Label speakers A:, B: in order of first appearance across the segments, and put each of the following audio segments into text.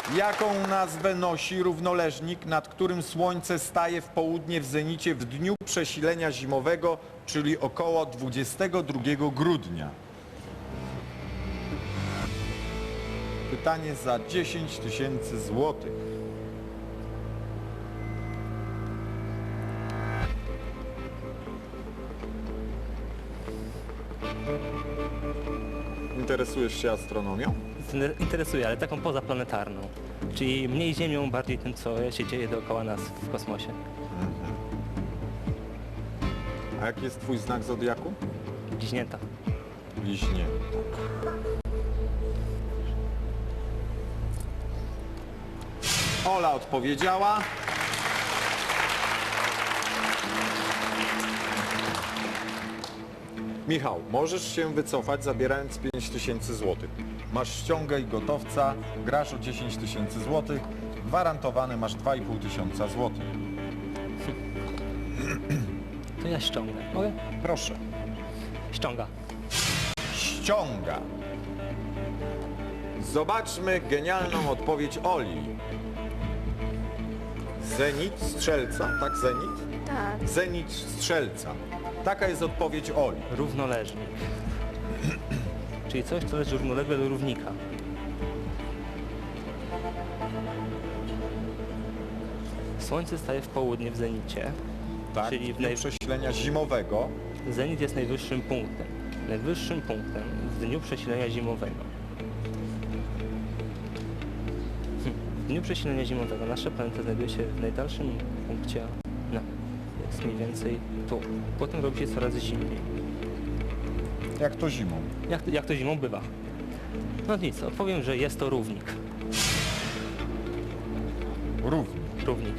A: Jaką nazwę nosi równoleżnik, nad którym słońce staje w południe w zenicie w dniu przesilenia zimowego, czyli około 22 grudnia? Pytanie za 10 tysięcy złotych. Interesujesz się astronomią?
B: Interesuje, ale taką pozaplanetarną. Czyli mniej Ziemią, bardziej tym, co się dzieje dookoła nas w kosmosie.
A: A jaki jest twój znak zodiaku?
B: Bliźnięta.
A: Bliźnięta. Ola odpowiedziała. Michał, możesz się wycofać, zabierając 5 tysięcy złotych. Masz ściągę i gotowca, grasz o 10 tysięcy złotych, gwarantowane masz 2,5 tysiąca złotych.
B: To ja ściągnę. Mogę?
A: Proszę.
B: Ściąga.
A: Ściąga. Zobaczmy genialną odpowiedź Oli. Zenit strzelca, tak zenit?
C: Tak.
A: Zenit strzelca. Taka jest odpowiedź Oli.
B: Równoleżnik. Czyli coś, co leży równolegle do równika. Słońce staje w południe w zenicie.
A: Tak,
B: Czyli
A: w dniu przesilenia zimowego.
B: Zenit jest najwyższym punktem. Najwyższym punktem w dniu przesilenia zimowego. W dniu przesilenia zimowego nasza planeta znajduje się w najdalszym punkcie. No, jest mniej więcej tu. Potem robi się coraz zimniej.
A: Jak to zimą?
B: Jak to zimą bywa? No nic, odpowiem, że jest to równik.
A: Równie.
B: Równik.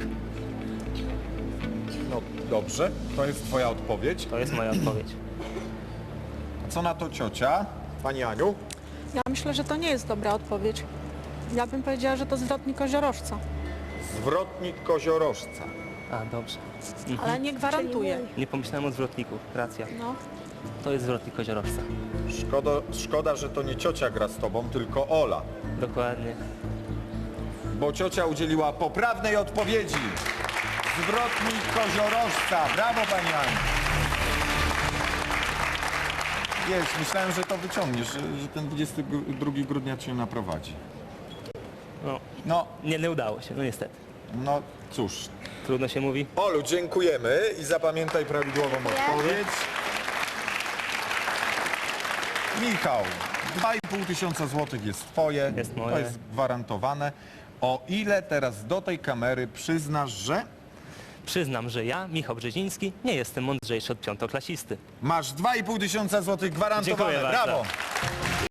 A: No dobrze, to jest twoja odpowiedź.
B: To jest moja odpowiedź.
A: Co na to ciocia? Pani Aniu?
C: Ja myślę, że to nie jest dobra odpowiedź. Ja bym powiedziała, że to zwrotnik koziorożca,
A: Zwrotnik koziorożca.
B: A, dobrze.
C: ale nie gwarantuje.
B: Nie pomyślałem o zwrotniku. Racja.
C: No.
B: To jest zwrotnik koziorożca.
A: Szkoda, że to nie ciocia gra z tobą, tylko Ola.
B: Dokładnie.
A: Bo ciocia udzieliła poprawnej odpowiedzi. Zwrotnik koziorożca. Brawo, pani Aniu. Wiesz, myślałem, że to wyciągniesz, że ten 22 grudnia cię naprowadzi.
B: No,
A: No,
B: nie udało się, no niestety.
A: no cóż.
B: Trudno się mówi.
A: Olu, dziękujemy i zapamiętaj prawidłową odpowiedź. Michał, 2,5 tysiąca złotych jest twoje.
B: Jest moje.
A: To jest gwarantowane. O ile teraz do tej kamery przyznasz, że
B: Przyznam, że ja, Michał Brzeziński, nie jestem mądrzejszy od piątoklasisty.
A: masz 2,5 tysiąca złotych gwarantowane.
B: Dziękuję bardzo.
A: Brawo!